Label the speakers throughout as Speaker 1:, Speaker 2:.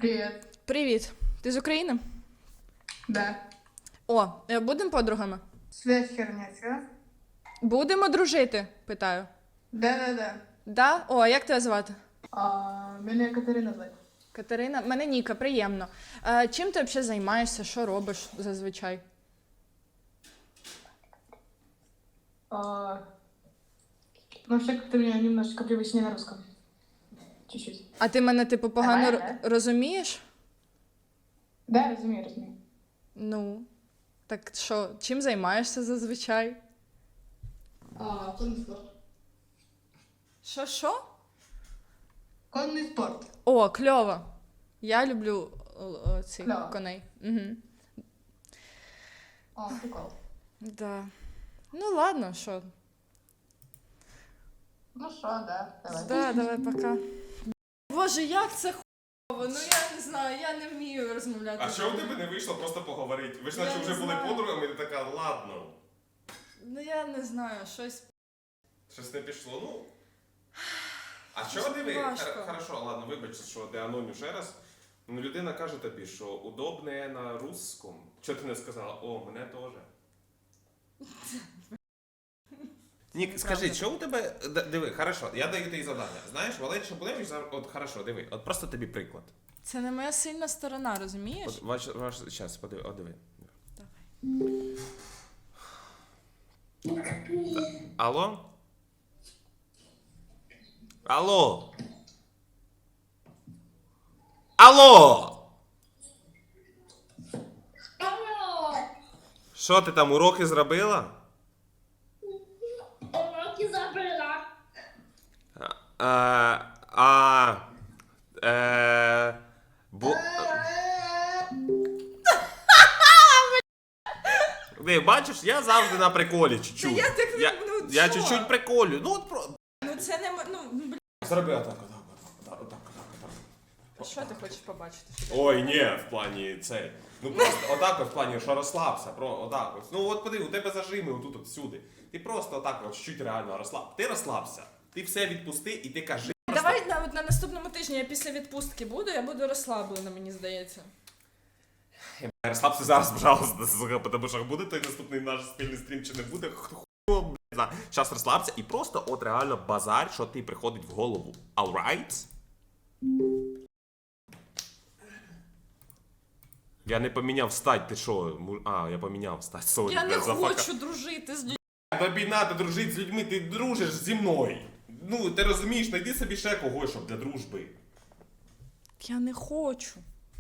Speaker 1: Привет.
Speaker 2: Привіт. Ти з України?
Speaker 1: Да.
Speaker 2: О, будемо подругами?
Speaker 1: Связь херня, чё?
Speaker 2: Будемо дружити, питаю.
Speaker 1: Да.
Speaker 2: Да? О, а як тебе звати?
Speaker 1: Мене Катерина звати.
Speaker 2: Катерина? Мене Ніка, приємно. Чим ти взагалі займаєшся? Що робиш зазвичай?
Speaker 1: Ну, вообще, как-то меня немножечко привычнее на русском. Чуть-чуть.
Speaker 2: А ти мене, типу, погано
Speaker 1: Давай,
Speaker 2: розумієш?
Speaker 1: Да, разумею.
Speaker 2: Ну, так що, чим займаєшся зазвичай?
Speaker 1: Конный спорт.
Speaker 2: Що?
Speaker 1: Конный спорт.
Speaker 2: О, кльово. Я люблю цих
Speaker 1: Кльово.
Speaker 2: коней. Угу.
Speaker 1: Прикол.
Speaker 2: Да. Ну ладно, що.
Speaker 1: Ну что, да, давай.
Speaker 2: Да, давай, пока. Боже, як це хуйово? Ну я не знаю, я не вмію розмовляти.
Speaker 3: А що у тебе не вийшло просто поговорити? Ви ж
Speaker 2: Я
Speaker 3: наче
Speaker 2: не
Speaker 3: вже були
Speaker 2: знаю.
Speaker 3: подругами, і ти така, ладно.
Speaker 2: Ну я не знаю, щось.
Speaker 3: Щось не пішло, ну. А що диви?
Speaker 2: важко.
Speaker 3: Хорошо, ладно, вибач, що ти аноню ще раз. Ну, людина каже тобі, що удобне на русском. Чого ти не сказала? О, мене теж. Нік, скажи, що у тебе. Диви, хорошо, я даю тобі завдання. Знаєш, Валерій Шабулевич, от хорошо, диви, от просто тобі приклад.
Speaker 2: Це не моя сильна сторона, розумієш?
Speaker 3: От ваш щас, подиви, от диви.
Speaker 2: Давай.
Speaker 3: Алло? Алло? Алло? Що ти там уроки зробила?
Speaker 4: Уроки забрала.
Speaker 3: Ти бачиш, я завжди на приколі чуть-чуть.
Speaker 2: Я так, ну,
Speaker 3: я
Speaker 2: що?
Speaker 3: чуть-чуть приколю. Ну от про.
Speaker 2: Ну це не ну,
Speaker 3: Зроби отак.
Speaker 2: що ти хочеш побачити?
Speaker 3: Ой, ні, в плані цей. Ну просто отак от в плані, що розслабся, отак от. Ну от подиви, у тебе зажими отут от всюди. Ти просто отак от чуть реально розслаб. Ти розслабся. Ти все відпусти і ти кажи.
Speaker 2: Давай на наступному тижні я після відпустки буду, я буду розслаблена, мені здається.
Speaker 3: Розслабся зараз, пожалуйста, сука, тому що буде той наступний наш спільний стрім чи не буде, хуй, блядь. Зараз розслабся і просто от реально базар, що ти приходить в голову. Alright? Я не поміняв стать, ти що? Я поміняв стать, сорі.
Speaker 2: Я не
Speaker 3: блядь, зафака.
Speaker 2: хочу дружити з людьми.
Speaker 3: Тобі надо дружити з людьми, ти дружиш зі мною. Ну, ти розумієш, знайди собі ще когось, щоб для дружби.
Speaker 2: Я не хочу.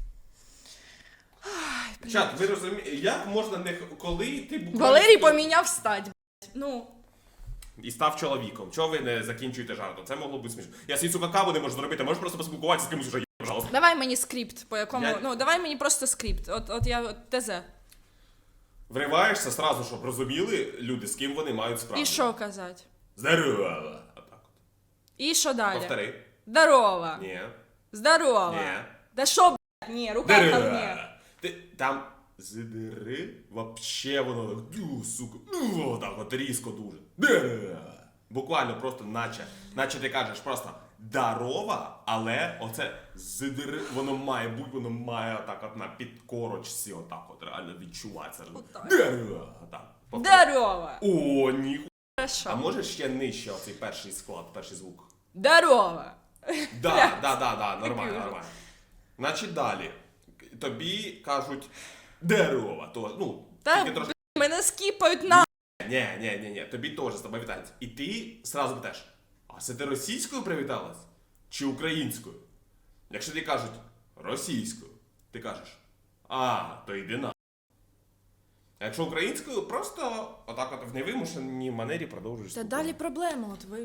Speaker 3: Чат, ви розумієте, як можна не... Коли ти буквально...
Speaker 2: Валерій поміняв стать, блядь. Ну.
Speaker 3: І став чоловіком. Чого ви не закінчуєте жартом? Це могло бути смішно. Я свій сука каву не можу зробити, можеш просто поспілкуватися з кимось уже, пожалуйста.
Speaker 2: Давай мені скрипт, по якому.
Speaker 3: Я-
Speaker 2: Ну, давай мені просто скрипт. От я ТЗ.
Speaker 3: Вриваєшся сразу, щоб розуміли люди, з ким вони мають справу.
Speaker 2: І що казати?
Speaker 3: Здорово. Отак от.
Speaker 2: І що далі?
Speaker 3: Повтори.
Speaker 2: Здорово.
Speaker 3: Ні.
Speaker 2: Здорово.
Speaker 3: Ні.
Speaker 2: Да що, блядь, ні, рука ко
Speaker 3: Здорово.
Speaker 2: мне.
Speaker 3: Ти там здери, вообще воно так, сука, отак от різко дуже. Здорово. Буквально просто наче ти кажеш просто дарова, але оце здери, воно має бути, воно має отак от на підкорочці, отак от реально відчувається.
Speaker 2: Отак.
Speaker 3: Здорово. Отак. Повтори.
Speaker 2: Здорово.
Speaker 3: О, ніхуя. А
Speaker 2: Хорошо.
Speaker 3: можеш ще нижче оцей перший склад, перший звук?
Speaker 2: Здорово.
Speaker 3: Да, нормально. Значить далі. Тобі кажуть дерево, то, ну,
Speaker 2: Та,
Speaker 3: тільки трошки.
Speaker 2: мене скіпають на.
Speaker 3: Ні, тобі теж з тобою вітаються. І ти сразу питаєш, а це ти російською привіталась? Чи українською? Якщо тобі кажуть російською, ти кажеш, то йди на. А якщо українською, просто отак от в невимушеній манері продовжуєш.
Speaker 2: Та
Speaker 3: спілкування.
Speaker 2: далі проблема, от ви.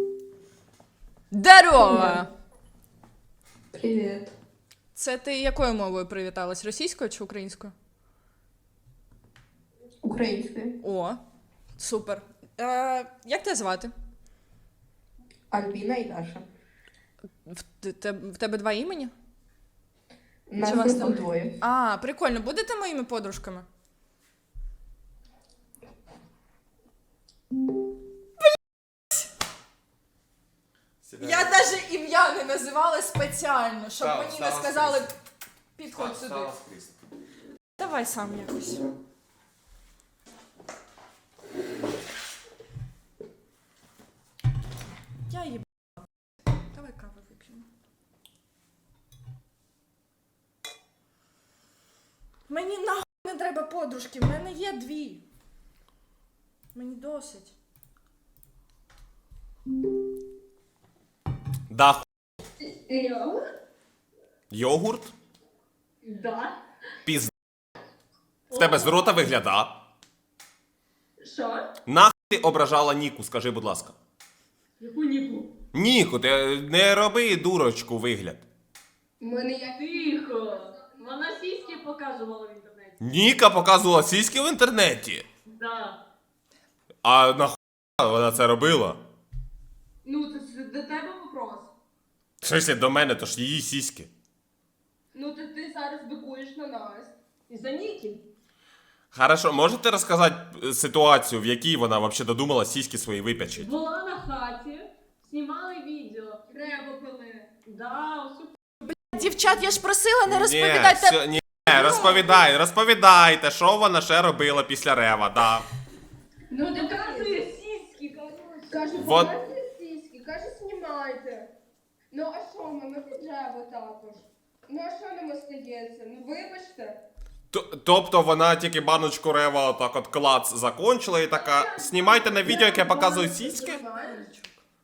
Speaker 2: Здорово.
Speaker 1: Привет.
Speaker 2: Це ти якою мовою привіталась? Російською чи українською?
Speaker 1: Українською.
Speaker 2: О, супер. Як тебе звати?
Speaker 1: Альбіна і Даша.
Speaker 2: В тебе два імені?
Speaker 1: Нас
Speaker 2: Чи вас
Speaker 1: просто
Speaker 2: там?
Speaker 1: двоє.
Speaker 2: Прикольно. Будете моїми подружками? Я навіть ім'я не називала спеціально, щоб
Speaker 3: Стала-
Speaker 2: мені не
Speaker 3: стала
Speaker 2: сказали,
Speaker 3: скрізь.
Speaker 2: підходь сюди.
Speaker 3: Стала з крісла.
Speaker 2: Давай сам якось. Я їб... Давай каву вип'ємо. Мені нахуй не треба подружки, в мене є 2. Мені досить.
Speaker 3: Да, ху-
Speaker 1: Йо?
Speaker 3: йогурт?
Speaker 1: Да.
Speaker 3: Піз... В тебе з рота вигляда.
Speaker 1: Що?
Speaker 3: Нахуй ти ображала Ніку, скажи, будь ласка.
Speaker 1: Яку ніку?
Speaker 3: Ніку, ти не роби дурочку вигляд.
Speaker 1: Мене як тихо. Вона сіськи показувала в інтернеті.
Speaker 3: Ніка показувала сіськи в інтернеті.
Speaker 1: Да.
Speaker 3: А нахуй вона це робила?
Speaker 1: Ну, це до тебе вопрос.
Speaker 3: В смысле, до мене, то ж її сіськи.
Speaker 1: Ну, ти зараз бикуєш на нас. І за Ніки.
Speaker 3: Хорошо, можете розказати ситуацію, в якій вона взагалі додумала сіськи свої випячити?
Speaker 4: Була на хаті, знімали відео.
Speaker 1: Треба пили.
Speaker 4: Да, ось
Speaker 2: Дівчат, я ж просила не
Speaker 3: Ні,
Speaker 2: розповідати.
Speaker 3: все, ні, розповідайте, що вона ще робила після рева, да.
Speaker 1: Ну, ти
Speaker 4: показує сіськи, коротше.
Speaker 1: Каже,
Speaker 3: Вот.
Speaker 1: показує сіськи, каже, знімайте. Ну, а що ми треба також? Ну, а що нам остається? Ну, вибачте.
Speaker 3: Тобто вона тільки баночку рева отак от клац закончила і така, знімайте на відео, як я показую сіськи.
Speaker 1: Знаєш?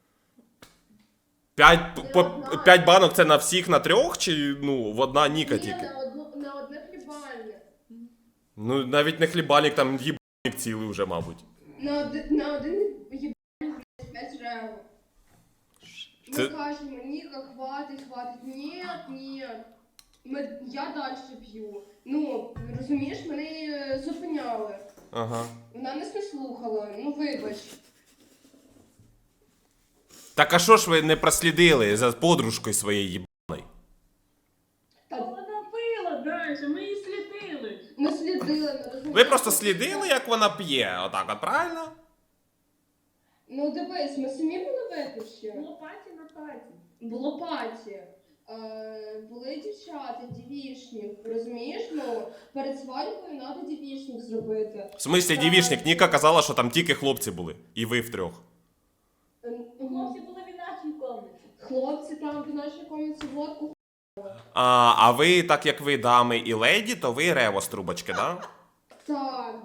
Speaker 3: 5 банок це на всіх на 3 чи ну в одна Ніка
Speaker 1: Ні,
Speaker 3: тільки?
Speaker 1: на одне хлібальне.
Speaker 3: Ну навіть не хлібальник, там їбальник цілий вже, мабуть.
Speaker 1: На один їбальник 5 реву. Ми
Speaker 3: Це-
Speaker 1: кажемо, Ніка, хватить. Ні. Я далі п'ю. Ну, розумієш, мене зупиняли.
Speaker 3: Ага.
Speaker 1: Вона нас не слухала, ну вибач.
Speaker 3: Так а що ж ви не прослідили за подружкою своєю їбаною?
Speaker 4: Вона пила далі, ми її слідили.
Speaker 1: Ми слідили, не розумієш.
Speaker 3: Ви просто слідили, як вона п'є, отак от, правильно?
Speaker 1: Ну дивись, ми самі були випивші.
Speaker 4: Було паті на паті.
Speaker 1: Було паті. Були дівчата, дівішник, розумієш? Ну, перед свадьбою треба дівішник зробити.
Speaker 3: В смислі, дівішник, Ніка казала, що там тільки хлопці були. І ви втрьох.
Speaker 4: Хлопці були в нашій комнаті.
Speaker 1: Хлопці там в нашій комнаті водку.
Speaker 3: А ви, так як ви дами і леді, то ви рево з трубочки, да?
Speaker 1: Так.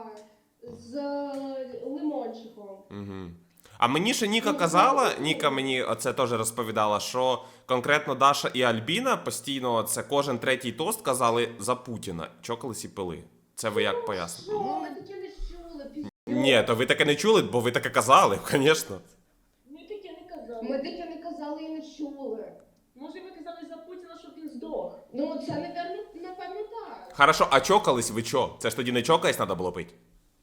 Speaker 1: З лимончиком.
Speaker 3: Угу. А мені ще Ніка казала, Ніка мені оце теж розповідала, що конкретно Даша і Альбіна постійно це кожен третій тост казали за Путіна. Чокались і пили. Це ви як пояснили?
Speaker 1: Що? Ми таке не чули.
Speaker 3: Ні, то ви таке не чули, бо ви таке казали, звісно.
Speaker 4: Ми таке не казали.
Speaker 1: Ми таке не казали і не чули.
Speaker 4: Може ви казали за Путіна, щоб він здох.
Speaker 1: Ну, це, напевно, так.
Speaker 3: Хорошо, а чокались ви чо? Це ж тоді не чокались треба було пити?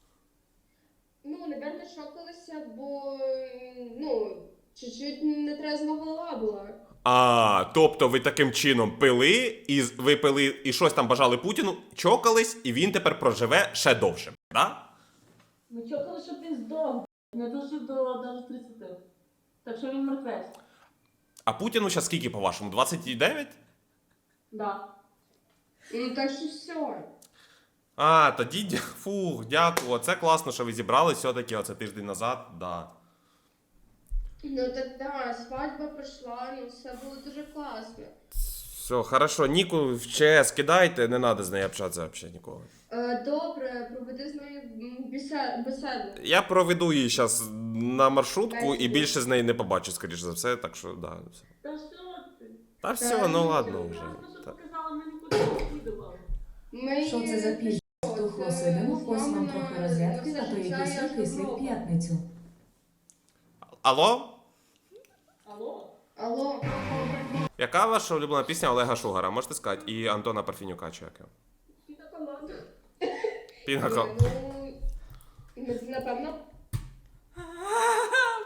Speaker 1: Ну, напевно, шокалися, бо, ну, чуть-чуть нетрезва голова була.
Speaker 3: А, тобто ви таким чином пили, і ви пили, і щось там бажали Путіну, чокались, і він тепер проживе ще довше, да?
Speaker 4: Ми чекали, щоб він здох. Не дожив до навіть 30. Так що він мертвець.
Speaker 3: А Путіну зараз скільки, по-вашому, 29?
Speaker 4: Да.
Speaker 1: Ну, так що все.
Speaker 3: А, тоді, фух, дякую, це класно, що ви зібрались все-таки оце тиждень назад, да.
Speaker 1: Ну, так, да, свадьба пройшла, ну, все було дуже класно.
Speaker 3: Все, хорошо, Ніку в ЧС кидайте, не треба з нею общатися взагалі ніколи.
Speaker 1: Добре, проведи з нею беседу.
Speaker 3: Я проведу її зараз на маршрутку і більше з неї не побачу, скоріш за все, так що, да. все.
Speaker 4: Та що ти?
Speaker 3: Та все, ну ладно вже.
Speaker 4: Просто, що
Speaker 3: Так.
Speaker 4: показала, ми нікуди не слідували.
Speaker 5: Що це за піжа? Тухло сидимо, ось вам трохи розрядки, а то якийсь кислий в п'ятницю.
Speaker 3: Алло?
Speaker 4: Алло?
Speaker 1: Алло.
Speaker 3: Яка ваша улюблена пісня Олега Шугара? Можете сказати? І Антона Парфінюка, чи яке?
Speaker 4: Піна команда.
Speaker 3: Пінако.
Speaker 1: Ну, напевно,